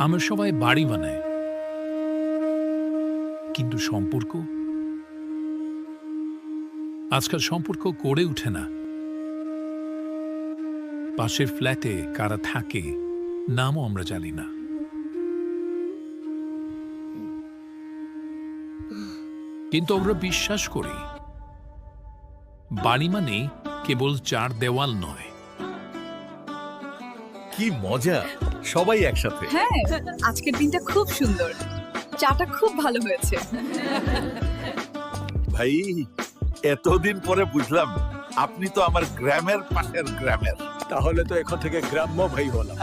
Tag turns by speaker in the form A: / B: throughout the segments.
A: আমরা সবাই বাড়ি বানাই, কিন্তু সম্পর্ক আজকাল সম্পর্ক গড়ে ওঠে না। পাশের ফ্ল্যাটে কারা থাকে নামও আমরা জানি না। কিন্তু আমরা বিশ্বাস করি বাড়ি মানে কেবল চার দেওয়াল নয়।
B: কি মজা, সবাই একসাথে।
C: হ্যাঁ, আজকের দিনটা খুব সুন্দর, চাটা খুব ভালো হয়েছে।
B: ভাই, এতদিন পরে বুঝলাম আপনি তো আমার গ্রামের পাশের গ্রামের।
D: তাহলে তো এখন থেকে গ্রাম্য ভাই হলাম।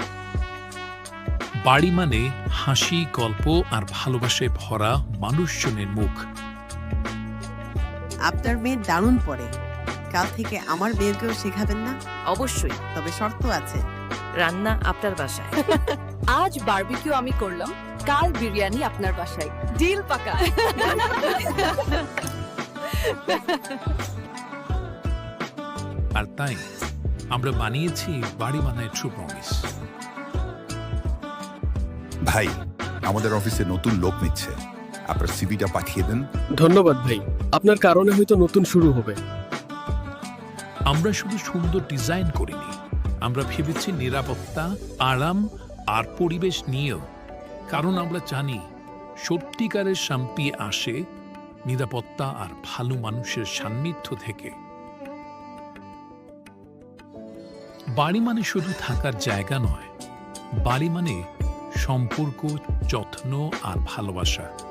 A: বাড়ি মানে হাসি, গল্প আর ভালোবাসায় ভরা মানুষজনের মুখ।
E: আপনার মেয়ে দারুণ পড়ে, কাল থেকে আমার মেয়েকেও শেখাবেন না?
F: অবশ্যই,
E: তবে শর্ত আছে।
F: রান্না আপনার বাসায়।
C: আজ বারবিকিউ আমি করলাম, কাল বিরিয়ানি আপনার বাসায়। ডিল পাকা।
A: আর তাই আমরা বানিয়েছি বাড়ি বানায় ট্রু প্রমিস।
G: ভাই, আমাদের অফিসে নতুন লোক নিচ্ছে, আপনার সিভিটা পাঠিয়ে দেন।
D: ধন্যবাদ ভাই, আপনার কারণে হয়তো নতুন শুরু হবে।
A: আমরা শুধু সুন্দর ডিজাইন করিনি, আমরা ভেবেছি নিরাপত্তা, আরাম আর পরিবেশ নিয়েও। কারণ আমরা জানি সত্যিকারের শান্তি আসে নিরাপত্তা আর ভালো মানুষের সান্নিধ্য থেকে। বাড়ি মানে শুধু থাকার জায়গা নয়, বাড়ি মানে সম্পর্ক, যত্ন আর ভালোবাসা।